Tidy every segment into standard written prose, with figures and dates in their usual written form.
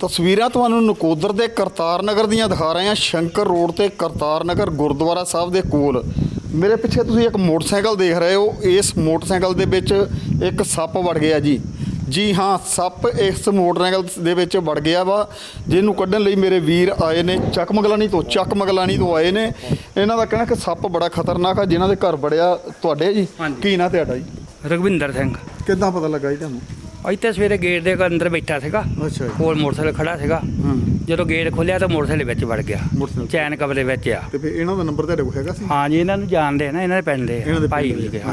ਤਸਵੀਰਾਂ ਤੁਹਾਨੂੰ ਨਕੋਦਰ ਦੇ ਕਰਤਾਰ ਨਗਰ ਦੀਆਂ ਦਿਖਾ ਰਹੇ ਹਾਂ। ਸ਼ੰਕਰ ਰੋਡ ਤੇ ਕਰਤਾਰ ਨਗਰ ਗੁਰਦੁਆਰਾ ਸਾਹਿਬ ਦੇ ਕੋਲ ਮੇਰੇ ਪਿੱਛੇ ਤੁਸੀਂ ਇੱਕ ਮੋਟਰਸਾਈਕਲ ਦੇਖ ਰਹੇ ਹੋ। ਇਸ ਮੋਟਰਸਾਈਕਲ ਦੇ ਵਿੱਚ ਇੱਕ ਸੱਪ ਵੜ ਗਿਆ ਜੀ ਹਾਂ, ਸੱਪ ਇਸ ਮੋਟਰਸਾਈਕਲ ਦੇ ਵਿੱਚ ਵੜ ਗਿਆ ਵਾ, ਜਿਹਨੂੰ ਕੱਢਣ ਲਈ ਮੇਰੇ ਵੀਰ ਆਏ ਨੇ ਚੱਕ ਮਗਲਾਣੀ ਤੋਂ ਆਏ ਨੇ। ਇਹਨਾਂ ਦਾ ਕਹਿਣਾ ਕਿ ਸੱਪ ਬੜਾ ਖਤਰਨਾਕ ਆ ਜਿਨ੍ਹਾਂ ਦੇ ਘਰ ਵੜਿਆ। ਤੁਹਾਡੇ ਜੀ ਕੀ ਨਾਂ ਤੁਹਾਡਾ ਜੀ? ਰਘਵਿੰਦਰ ਸਿੰਘ। ਕਿੱਦਾਂ ਪਤਾ ਲੱਗਾ ਜੀ ਤੁਹਾਨੂੰ? ਇੱਥੇ ਸਵੇਰੇ ਗੇਟ ਦੇ ਅੰਦਰ ਬੈਠਾ ਸੀਗਾ। ਅੱਛਾ ਜੀ। ਕੋਲ ਮੋਟਰਸਾਈਕਲ ਖੜਾ ਸੀਗਾ। ਜਦੋਂ ਗੇਟ ਖੋਲ੍ਹਿਆ ਤਾਂ ਮੋਟਰਸਾਈਕਲ ਵਿੱਚ ਵੜ ਗਿਆ, ਚੈਨ ਕਵਰ ਦੇ ਵਿੱਚ ਆ। ਤੇ ਫਿਰ ਇਹਨਾਂ ਦਾ ਨੰਬਰ ਤੁਹਾਡੇ ਕੋਲ ਹੈਗਾ ਸੀ? ਹਾਂ ਜੀ, ਇਹਨਾਂ ਨੂੰ ਜਾਣਦੇ ਆ ਨਾ, ਇਹਨਾਂ ਦੇ ਪਿੰਡ ਦੇ ਭਾਈ ਵੀ ਗਏ।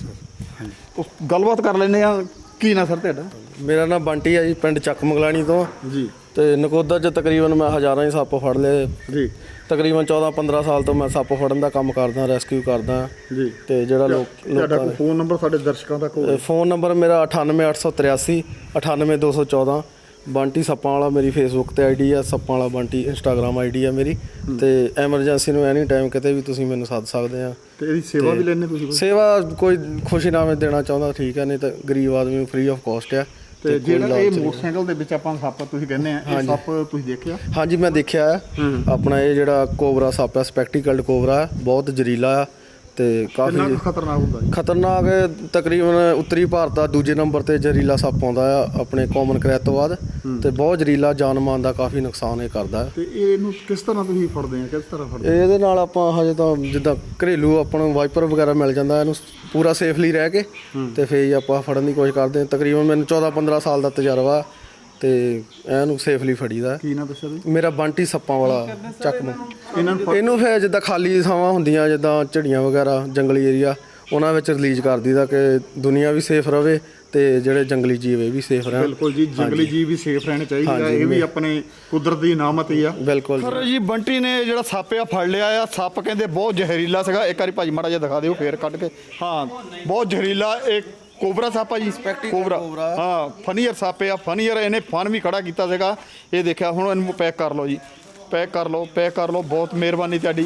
ਅੱਛਾ। ਗੱਲਬਾਤ ਕਰ ਲੈਂਦੇ ਆ। ਕੀ ਨਾਂ ਸਰ ਤੁਹਾਡਾ? ਮੇਰਾ ਨਾਮ ਬੰਟੀ ਹੈ ਜੀ, ਪਿੰਡ ਚੱਕ ਮਗਲਾਣੀ ਤੋਂ ਜੀ। ਤੇ ਨਕੋਦਰ 'ਚ ਤਕਰੀਬਨ ਮੈਂ ਹਜ਼ਾਰਾਂ ਹੀ ਸੱਪ ਫੜ ਲਏ ਜੀ। ਤਕਰੀਬਨ 14-15 ਸਾਲ ਤੋਂ ਮੈਂ ਸੱਪ ਫੜਨ ਦਾ ਕੰਮ ਕਰਦਾ, ਰੈਸਕਿਊ ਕਰਦਾ ਜੀ। ਤੇ ਜਿਹੜਾ ਤੁਹਾਡਾ ਕੋਈ ਫੋਨ ਨੰਬਰ ਸਾਡੇ ਦਰਸ਼ਕਾਂ ਤੱਕ ਹੋਵੇ? ਫੋਨ ਨੰਬਰ ਮੇਰਾ 98883 98214। ਬੰਟੀ ਸੱਪਾਂ ਵਾਲਾ ਮੇਰੀ ਫੇਸਬੁੱਕ ਤੇ ਆਈਡੀ ਆ, ਸੱਪਾਂ ਵਾਲਾ ਬੰਟੀ ਇੰਸਟਾਗ੍ਰਾਮ ਆਈਡੀ ਆ ਮੇਰੀ। ਤੇ ਐਮਰਜੈਂਸੀ ਨੂੰ ਐਨੀ ਟਾਈਮ ਕਿਤੇ ਵੀ ਤੁਸੀਂ ਮੈਨੂੰ ਸੱਦ ਸਕਦੇ ਆ। ਤੇ ਇਹਦੀ ਸੇਵਾ ਵੀ ਲੈਣੇ ਤੁਸੀਂ? ਸੇਵਾ ਕੋਈ ਖੁਸ਼ੀਨਾਮੇ ਦੇਣਾ ਚਾਹੁੰਦਾ ਠੀਕ ਹੈ, ਨਹੀਂ ਤਾਂ ਗਰੀਬ ਆਦਮੀ ਨੂੰ ਫ੍ਰੀ ਆਫ ਕਾਸਟ ਆ। ਤੇ ਜਿਹੜਾ ਇਹ ਮੋਟਰਸਾਈਕਲ ਦੇ ਵਿੱਚ ਆਪਾਂ ਸੱਪ ਤੁਸੀਂ ਕਹਿੰਦੇ ਆ, ਇਹ ਸੱਪ ਤੁਸੀਂ ਦੇਖਿਆ? ਹਾਂਜੀ, ਮੈਂ ਦੇਖਿਆ ਹੈ। ਆਪਣਾ ਇਹ ਜਿਹੜਾ ਕੋਬਰਾ ਸੱਪ ਹੈ, ਸਪੈਕਟੀਕਲਡ ਕੋਬਰਾ, ਬਹੁਤ ਜ਼ਹਿਰੀਲਾ ਆ ਤੇ ਕਾਫੀ ਖਤਰਨਾਕ ਹੁੰਦਾ ਜੀ। ਖਤਰਨਾਕ ਤਕਰੀਬਨ ਉੱਤਰੀ ਭਾਰਤ ਦਾ ਦੂਜੇ ਨੰਬਰ ਤੇ ਜ਼ਹਿਰੀਲਾ ਸੱਪ ਆਉਂਦਾ ਆ ਆਪਣੇ ਕਾਮਨ ਕਰੈਟ ਤੋਂ ਬਾਅਦ। ਤੇ ਬਹੁਤ ਜ਼ਹਿਰੀਲਾ, ਜਾਨ ਮਾਲ ਦਾ ਕਾਫੀ ਨੁਕਸਾਨ ਇਹ ਕਰਦਾ। ਤੇ ਇਹਨੂੰ ਕਿਸ ਤਰ੍ਹਾਂ ਤੁਸੀਂ ਫੜਦੇ ਆ? ਕਿਸ ਤਰ੍ਹਾਂ ਫੜਦੇ? ਇਹਦੇ ਨਾਲ ਆਪਾਂ ਹਜੇ ਤਾਂ ਜਿੱਦਾਂ ਘਰੇਲੂ ਆਪਾਂ ਨੂੰ ਵਾਈਪਰ ਵਗੈਰਾ ਮਿਲ ਜਾਂਦਾ, ਇਹਨੂੰ ਪੂਰਾ ਸੇਫਲੀ ਰਹਿ ਕੇ ਤੇ ਫਿਰ ਹੀ ਆਪਾਂ ਫੜਨ ਦੀ ਕੋਸ਼ਿਸ਼ ਕਰਦੇ ਹਾਂ। ਤਕਰੀਬਨ ਮੈਨੂੰ 14-15 ਸਾਲ ਦਾ ਤਜਰਬਾ ਤੇ ਇਹਨੂੰ ਸੇਫਲੀ ਫੜੀਦਾ। ਕੀ ਨਾਮ ਦੱਸਿਆ ਤੁਸੀਂ? ਮੇਰਾ ਬੰਟੀ ਸੱਪਾਂ ਵਾਲਾ ਚੱਕ ਨੂੰ। ਇਹਨੂੰ ਫਿਰ ਜਿੱਦਾਂ ਖਾਲੀ ਥਾਵਾਂ ਹੁੰਦੀਆਂ, ਜਿੱਦਾਂ ਝੜੀਆਂ ਵਗੈਰਾ, ਜੰਗਲੀ ਏਰੀਆ, ਉਹਨਾਂ ਵਿੱਚ ਰਿਲੀਜ਼ ਕਰ ਦਈਦਾ ਕਿ ਦੁਨੀਆ ਵੀ ਸੇਫ ਰਵੇ ਤੇ ਜਿਹੜੇ ਜੰਗਲੀ ਜੀਵ ਇਹ ਵੀ ਸੇਫ ਰਹਿਣ। ਬਿਲਕੁਲ ਜੀ, ਜੰਗਲੀ ਜੀਵ ਵੀ ਸੇਫ ਰਹਿਣੇ ਚਾਹੀਦੇ ਆ। ਇਹ ਵੀ ਆਪਣੇ ਕੁਦਰਤ ਦੀ ਇਨਾਮਤ ਹੀ ਆ। ਬਿਲਕੁਲ ਸਰ ਜੀ, ਬੰਟੀ ਨੇ ਜਿਹੜਾ ਸੱਪ ਆ ਫੜ ਲਿਆ ਆ। ਸੱਪ ਕਹਿੰਦੇ ਬਹੁਤ ਜ਼ਹਿਰੀਲਾ ਸੀਗਾ। ਇੱਕ ਵਾਰੀ ਭਾਜੀ ਮਾੜਾ ਜਿਹਾ ਦਿਖਾ ਦਿਓ ਫੇਰ ਕੱਢ ਕੇ। ਹਾਂ, ਬਹੁਤ ਜ਼ਹਿਰੀਲਾ। ਇਹ ਕੋਬਰਾ ਸੱਪ ਆ ਜੀ, ਕੋਬਰਾ। ਹਾਂ, ਫਨੀਅਰ ਸੱਪ ਆ, ਫਨੀਅਰ। ਇਹਨੇ ਫਨ ਵੀ ਖੜਾ ਕੀਤਾ ਸੀਗਾ। ਇਹ ਦੇਖਿਆ। ਹੁਣ ਇਹਨੂੰ ਪੈਕ ਕਰ ਲਓ ਜੀ, ਪੈਕ ਕਰ ਲਓ। ਬਹੁਤ ਮਿਹਰਬਾਨੀ ਤੁਹਾਡੀ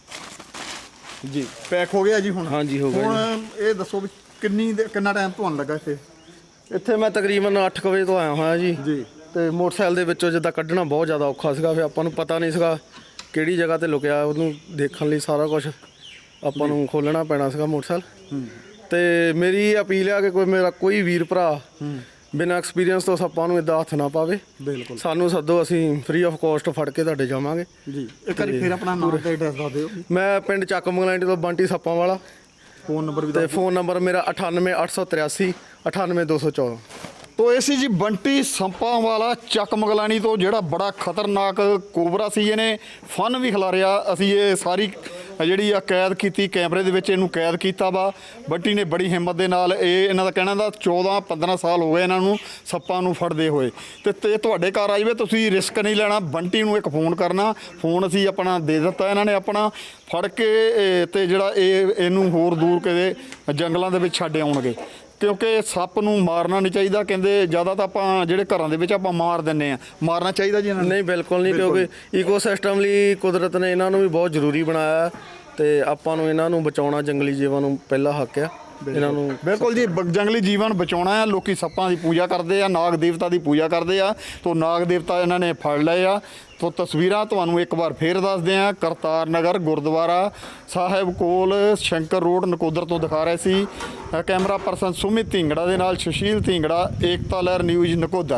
ਜੀ। ਪੈਕ ਹੋ ਗਿਆ ਜੀ ਹੁਣ? ਹਾਂਜੀ, ਹੋ ਗਿਆ। ਹੁਣ ਇਹ ਦੱਸੋ ਵੀ ਕਿੰਨਾ ਟਾਈਮ ਤੁਹਾਨੂੰ ਲੱਗਾ ਇੱਥੇ ਮੈਂ ਤਕਰੀਬਨ 8 ਵਜੇ ਤੋਂ ਆਇਆ ਹੋਇਆ ਜੀ। ਤੇ ਮੋਟਰਸਾਈਕਲ ਦੇ ਵਿੱਚੋਂ ਜਿੱਦਾਂ ਕੱਢਣਾ ਬਹੁਤ ਜ਼ਿਆਦਾ ਔਖਾ ਸੀਗਾ। ਫਿਰ ਆਪਾਂ ਨੂੰ ਪਤਾ ਨਹੀਂ ਸੀਗਾ ਕਿਹੜੀ ਜਗ੍ਹਾ ਤੇ ਲੁਕਿਆ, ਉਹਨੂੰ ਦੇਖਣ ਲਈ ਸਾਰਾ ਕੁਝ ਆਪਾਂ ਨੂੰ ਖੋਲ੍ਹਣਾ ਪੈਣਾ ਸੀਗਾ ਮੋਟਰਸਾਈਕਲ। ਤੇ ਮੇਰੀ ਅਪੀਲ ਆ ਕਿ ਮੇਰਾ ਕੋਈ ਵੀਰ ਭਰਾ ਬਿਨਾਂ ਐਕਸਪੀਰੀਅੰਸ ਤੋਂ ਸੱਪਾਂ ਨੂੰ ਇੱਦਾਂ ਹੱਥ ਨਾ ਪਾਵੇ। ਬਿਲਕੁਲ, ਸਾਨੂੰ ਸੱਦੋ, ਅਸੀਂ ਫ੍ਰੀ ਆਫ ਕਾਸਟ ਫੜ ਕੇ ਤੁਹਾਡੇ ਜਾਵਾਂਗੇ ਜੀ। ਇੱਕ ਵਾਰੀ ਫਿਰ ਆਪਣਾ ਨਾਮ ਤੇ ਐਡਰੈਸ ਦੱਸ ਦਿਓ। ਮੈਂ ਪਿੰਡ ਚੱਕ ਮਗਲਾਣੀ ਤੋਂ ਬੰਟੀ ਸੱਪਾਂ ਵਾਲਾ। ਫੋਨ ਨੰਬਰ ਵੀ ਤੇ ਫੋਨ ਨੰਬਰ ਮੇਰਾ 98883 98214। ਤੋ ਇਹ ਸੀ ਜੀ ਬੰਟੀ ਸੱਪਾਂ ਵਾਲਾ ਚੱਕ ਮਗਲਾਣੀ ਤੋਂ, ਜਿਹੜਾ ਬੜਾ ਖਤਰਨਾਕ ਕੋਬਰਾ ਸੀ। ਇਹਨੇ ਫਨ ਵੀ ਖਿਲਾਰਿਆ। ਅਸੀਂ ਇਹ ਸਾਰੀ ਜਿਹੜੀ ਆ ਕੈਦ ਕੀਤੀ, ਕੈਮਰੇ ਦੇ ਵਿੱਚ ਇਹਨੂੰ ਕੈਦ ਕੀਤਾ ਵਾ। ਬੰਟੀ ਨੇ ਬੜੀ ਹਿੰਮਤ ਦੇ ਨਾਲ ਇਹਨਾਂ ਦਾ ਕਹਿਣਾ ਦਾ 14-15 ਸਾਲ ਹੋ ਗਏ ਇਹਨਾਂ ਨੂੰ ਸੱਪਾਂ ਨੂੰ ਫੜਦੇ ਹੋਏ। ਤੇ ਤੁਹਾਡੇ ਘਰ ਆ ਜਾਵੇ, ਤੁਸੀਂ ਰਿਸਕ ਨਹੀਂ ਲੈਣਾ। ਬੰਟੀ ਨੂੰ ਇੱਕ ਫੋਨ ਕਰਨਾ, ਫੋਨ ਅਸੀਂ ਆਪਣਾ ਦੇ ਦਿੱਤਾ। ਇਹਨਾਂ ਨੇ ਆਪਣਾ ਫੜ ਕੇ ਤੇ ਜਿਹੜਾ ਇਹਨੂੰ ਹੋਰ ਦੂਰ ਕਿਤੇ ਜੰਗਲਾਂ ਦੇ ਵਿੱਚ ਛੱਡ ਆਉਣਗੇ, ਕਿਉਂਕਿ ਸੱਪ ਨੂੰ ਮਾਰਨਾ ਨਹੀਂ ਚਾਹੀਦਾ। ਕਹਿੰਦੇ ਜ਼ਿਆਦਾ ਤਾਂ ਆਪਾਂ ਜਿਹੜੇ ਘਰਾਂ ਦੇ ਵਿੱਚ ਆਪਾਂ ਮਾਰ ਦਿੰਦੇ ਆ, ਮਾਰਨਾ ਚਾਹੀਦਾ ਜੀ ਇਹਨਾਂ ਨੂੰ? ਨਹੀਂ, ਬਿਲਕੁਲ ਨਹੀਂ, ਕਿਉਂਕਿ ਈਕੋਸਿਸਟਮ ਲਈ ਕੁਦਰਤ ਨੇ ਇਹਨਾਂ ਨੂੰ ਵੀ ਬਹੁਤ ਜ਼ਰੂਰੀ ਬਣਾਇਆ ਤੇ ਆਪਾਂ ਨੂੰ ਇਹਨਾਂ ਨੂੰ ਬਚਾਉਣਾ, ਜੰਗਲੀ ਜੀਵਾਂ ਨੂੰ ਪਹਿਲਾ ਹੱਕ ਆ ਇਹਨਾਂ ਨੂੰ। ਬਿਲਕੁਲ ਜੀ, ਜੰਗਲੀ ਜੀਵਾਂ ਨੂੰ ਬਚਾਉਣਾ ਆ। ਲੋਕੀ ਸੱਪਾਂ ਦੀ ਪੂਜਾ ਕਰਦੇ ਆ, ਨਾਗ ਦੇਵਤਾ ਦੀ ਪੂਜਾ ਕਰਦੇ ਆ। ਤੋ ਨਾਗ ਦੇਵਤਾ ਇਹਨਾਂ ਨੇ ਫੜ ਲਏ ਆ। ਤੋ ਤਸਵੀਰਾਂ ਤੁਹਾਨੂੰ ਇੱਕ ਵਾਰ ਫੇਰ ਦੱਸਦੇ ਆ। ਕਰਤਾਰ ਨਗਰ ਗੁਰਦੁਆਰਾ ਸਾਹਿਬ ਕੋਲ ਸ਼ੰਕਰ ਰੋਡ ਨਕੋਦਰ ਤੋਂ ਦਿਖਾ ਰਹੇ ਸੀ। ਕੈਮਰਾ ਪਰਸਨ ਸੁਮਿਤ ਢਿੰਗੜਾ ਦੇ ਨਾਲ ਸੁਸ਼ੀਲ ਢਿੰਗੜਾ, ਏਕਤਾ ਲਹਿਰ ਨਿਊਜ਼ ਨਕੋਦਰ।